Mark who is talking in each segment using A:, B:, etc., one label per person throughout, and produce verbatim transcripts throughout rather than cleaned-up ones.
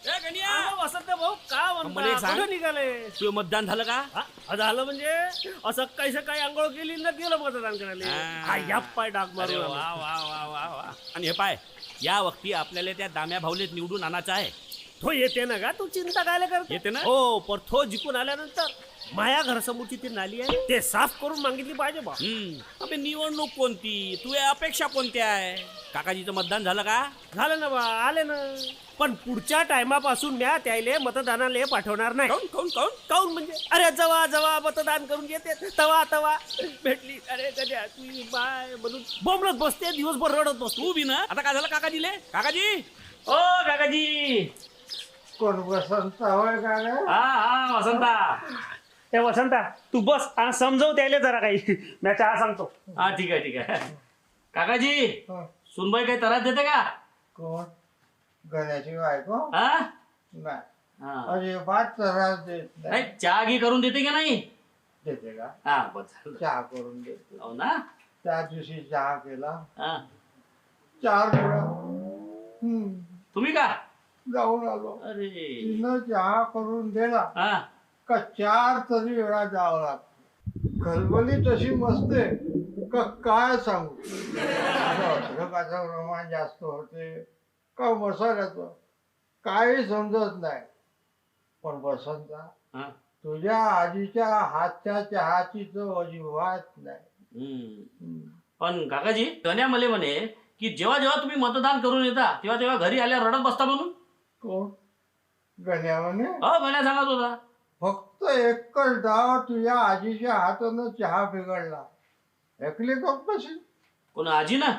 A: वसंत भाऊ का म्हणता निघाले?
B: तुझं मतदान झालं का?
A: हा, झालं म्हणजे असं काही सकाळी आंघोळ केली ना गेलं मतदान करायला. या पाय डाग मारू.
B: वा वा वा वा वा. आणि हे पाय, या वक्ती आपल्याला त्या दाम्या भाऊलेत निवडून आणायचा आहे.
A: तो येते ना का? तू चिंता काय करते?
B: येते ना?
A: हो, पण तो जिंकून आल्यानंतर माया घरासमोरची ती नाली आहे ते साफ करून मागितली पाहिजे बा.
B: हम्म अबे निवडणूक कोणती, तुझ्या अपेक्षा कोणत्या आहे? काकाजीचं मतदान झालं का?
A: झालं ना बा, आले ना. पण पुढच्या टायमापासून म्या त्याले मतदानाला पाठवणार नाही.
B: काऊन काऊन काऊन
A: काऊन म्हणजे अरे जवा जवा मतदान करून येते तवा तवा भेटली अरे कधी तुझी बाय म्हणून बोंबलत बसते, दिवसभर रडत बसतो.
B: तू बी ना. आता काय झालं काकाजीले? काकाजी ओ काकाजी.
C: कोण वसंत होय का रे?
B: हा हा वसंता.
A: ए वसंता तू बस आणि समजव त्याले जरा काही. मी चहा सांगतो.
B: हा ठीक आहे ठीक आहे. काकाजी
C: हं.
B: सुनबाई काही त्रास देते का?
C: कोण? गण्याची बायको?
B: हा
C: नाही,
B: हा.
C: अजिबात त्रास देत
B: नाही,
C: नाही.
B: चहा घी करून देते का नाही?
C: देते का?
B: हा बस झालं.
C: चहा करून देते.
B: हो ना.
C: त्या दिवशी चहा केला,
B: हा.
C: चार वेळा हम्म,
B: तुम्ही का?
C: जाऊन आलो.
B: अरे
C: तिनं चहा करून दिला
B: हा
C: का चार तरी वेळा जावं लागतं. खलबली तशी मस्ते का काय सांगू. अद्रकाचं प्रमाण जास्त होते का मसाल्याचं काही समजत नाही. पण वसंता,
B: हा.
C: तुझ्या आजीच्या हातच्या चहाची चव अजिबात नाही.
B: हम्म.
C: हम्म.
B: पण काकाजी गण्या मले म्हणे की जेव्हा जेव्हा तुम्ही मतदान करून येता तेव्हा तेव्हा घरी आल्यावर रडत बसता म्हणून.
C: कोण? गण्याने
B: हो गण्या सांगत होता.
C: फक्त एकच डाव तुझ्या आजीच्या हातानं चहा बिघडला. ऐकली का कशी?
B: कोण आजी ना?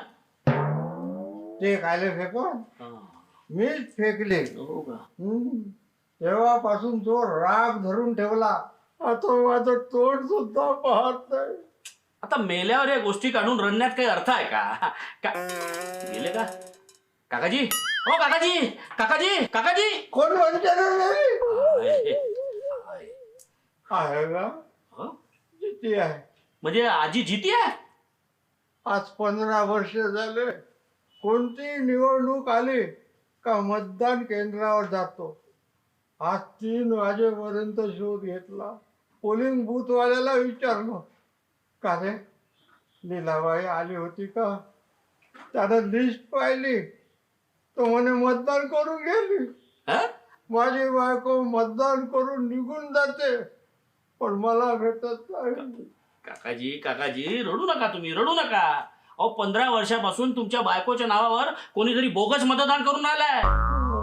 C: ते खायला फेकून मीच फेकले.
B: हो का?
C: हम्म. तेव्हापासून तो राग धरून ठेवला. आता माझं तोंड सुद्धा पाहत नाही.
B: आता मेल्यावर या गोष्टी काढून रडण्यात काही अर्थ आहे का? का गेले का काकाजी? हो काकाजी काकाजी काकाजी.
C: कोण म्हणते रे?
B: आहे.
C: आहे का?
B: हो?
C: किती आहे?
B: म्हणजे आजी जिती आहे?
C: आज पंधरा वर्ष झाले. कोणती निवडणूक आली का मतदान केंद्रावर जातो. आज तीन वाजेपर्यंत शोध घेतला. पोलिंग बूथवाल्याला विचारलं, का रे लीलाबाई आली होती का? त्यानं लिस्ट पाहिली तो म्हणे मतदान करून गेली.
B: हा?
C: माझी बायको मतदान करून निघून जाते पण मला भेटत नाही.
B: काकाजी काकाजी रडू नका, तुम्ही रडू नका. अहो पंधरा वर्षापासून तुमच्या बायकोच्या नावावर कोणीतरी बोगस मतदान करून आलाय.